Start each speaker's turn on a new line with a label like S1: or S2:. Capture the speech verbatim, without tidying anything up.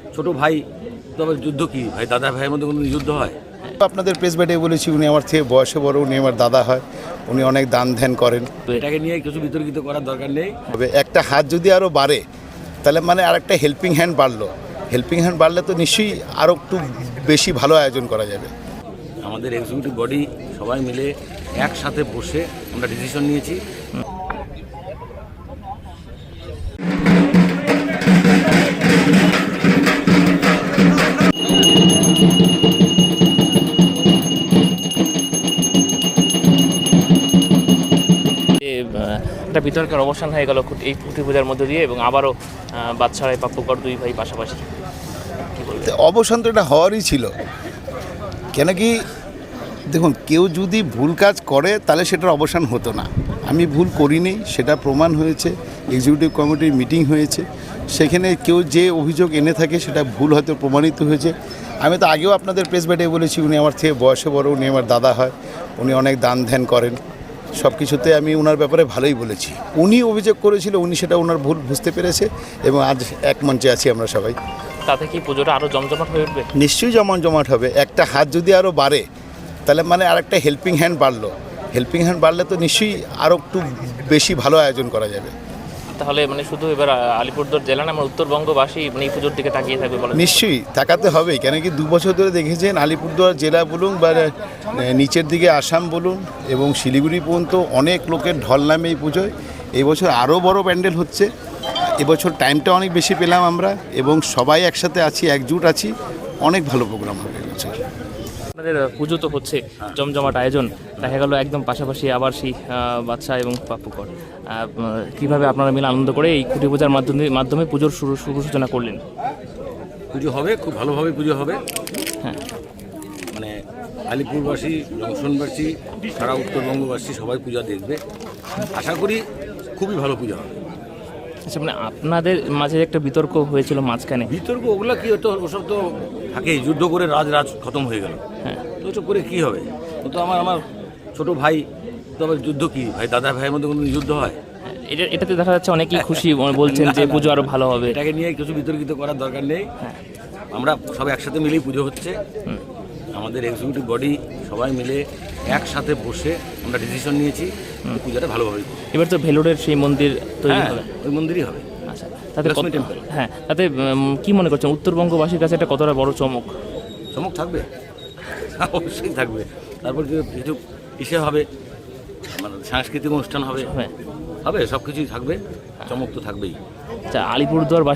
S1: ছোট ভাই, তবে যুদ্ধ কি ভাই, দাদা ভাইয়ের মধ্যে কোনো যুদ্ধ হয়?
S2: আপনাদের প্রেস ব্যাটে বলেছি, উনি আমার থেকে বয়সে বড়, উনি আমার দাদা হয়, উনি অনেক দান ধ্যান করেন।
S1: তো এটাকে নিয়ে কিছু বিতর্কিত করার দরকার নেই।
S2: তবে একটা হাত যদি আরও বাড়ে তাহলে মানে আর একটা হেল্পিং হ্যান্ড বাড়লো, হেল্পিং হ্যান্ড বাড়লে তো নিশ্চয়ই আরও একটু বেশি ভালো আয়োজন করা যাবে।
S1: আমাদের এক্সিকিউটিভ বডি সবাই মিলে একসাথে বসে আমরা ডিসিশন নিয়েছি।
S3: একটা বিতর্কের অবসান হয়ে গেল এই খুঁটি পূজার মধ্যে দিয়ে, এবং আবারও বাদশাহ পাপ্পুকর দুই ভাই পাশাপাশি।
S2: তো অবসান তো এটা হওয়ারই ছিল, কেন কি দেখুন, কেউ যদি ভুল কাজ করে তাহলে সেটার অবসান হতো না। আমি ভুল করিনি, সেটা প্রমাণ হয়েছে, এক্সিকিউটিভ কমিটির মিটিং হয়েছে, সেখানে কেউ যে অভিযোগ এনে থাকে সেটা ভুল হয়তো প্রমাণিত হয়েছে। আমি তো আগেও আপনাদের প্রেস ব্যাটে বলেছি, উনি আমার থেকে বয়সে বড়, উনি আমার দাদা হয়, উনি অনেক দান ধ্যান করেন, সব কিছুতে আমি ওনার ব্যাপারে ভালোই বলেছি। উনি অভিযোগ করেছিল, উনি সেটা ওনার ভুল বুঝতে পেরেছে, এবং আজ এক মঞ্চে আছি আমরা সবাই।
S3: তাতে কি পুজোটা আরও জমজমাট হয়ে উঠবে?
S2: নিশ্চয়ই জমা জমাট হবে। একটা হাত যদি আরও বাড়ে তাহলে মানে আর একটা হেল্পিং হ্যান্ড বাড়লো, হেল্পিং হ্যান্ড বাড়লে তো নিশ্চয়ই আরও একটু বেশি ভালো আয়োজন করা যাবে।
S3: তাহলে মানে শুধু এবার আলিপুরদুয়ার জেলা না, আমার উত্তরবঙ্গবাসী মানে এই পুজোর দিকে তাকিয়ে থাকবে বলে?
S2: নিশ্চয়ই তাকাতে হবেই, কেন কি দু বছর ধরে দেখেছেন আলিপুরদুয়ার জেলা বলুন বা নিচের দিকে আসাম বলুন এবং শিলিগুড়ি পর্যন্ত অনেক লোকের ঢল নামে এই পুজোয়। এই বছর আরও বড় প্যান্ডেল হচ্ছে, এবছর টাইমটা অনেক বেশি পেলাম আমরা, এবং সবাই একসাথে আছি, একজুট আছি, অনেক ভালো প্রোগ্রাম হবে এবছর।
S3: আপনাদের পুজো তো হচ্ছে জমজমাট আয়োজন, দেখা গেল একদম পাশাপাশি আবার সেই বাদশাহ এবং পাপ্পুকর, কীভাবে আপনারা মিলে আনন্দ করে এই খুঁটি পূজার মাধ্যমে মাধ্যমে পুজোর শুরু শুভ সূচনা করলেন?
S1: পুজো হবে, খুব ভালোভাবে পুজো হবে।
S3: হ্যাঁ,
S1: মানে আলিপুরবাসী, জংশনবাসী, সারা উত্তরবঙ্গবাসী সবাই পূজা দেখবে, আশা করি খুবই ভালো পূজা হবে।
S3: আচ্ছা, মানে আপনাদের মাঝে একটা বিতর্ক হয়েছিল মাঝখানে।
S1: বিতর্ক ওগুলো কি হতো, ওসব তো থাকেই, যুদ্ধ করে রাজ রাজ খতম হয়ে গেল।
S3: হ্যাঁ,
S1: তো ওসব করে কী হবে? ও তো আমার আমার ছোট ভাই, তবে যুদ্ধ কি ভাই, দাদা ভাইয়ের মধ্যে কোনো যুদ্ধ হয়?
S3: এটা এটাতে দেখা যাচ্ছে অনেকেই খুশি বলছেন যে পুজো আরও ভালো হবে।
S1: এটাকে নিয়ে কিছু বিতর্কিত করার দরকার নেই। আমরা সব একসাথে মিলেই পুজো হচ্ছে। আমাদের এক্সিকিউটিভ বডি সবাই মিলে একসাথে বসে আমরা ডিসিশন নিয়েছি পূজাটা ভালোভাবে।
S3: এবার তো ভেলোরের সেই মন্দির তৈরি
S1: হ্যাঁ,
S3: হবে,
S1: ওই মন্দিরই হবে।
S3: আচ্ছা, তাতে কত-
S1: লক্ষ্মী টেম্পল।
S3: হ্যাঁ, তাতে উম, কি মনে করছেন উত্তরবঙ্গবাসীর কাছে এটা কতটা বড় চমক?
S1: চমক থাকবে, অবশ্যই থাকবে। তারপর যে কিছু ইসে হবে, মানে সাংস্কৃতিক অনুষ্ঠান হবে,
S3: হ্যাঁ,
S1: হবে, সব কিছুই থাকবে, চমক তো থাকবেই।
S3: আচ্ছা, আলিপুরদুয়ার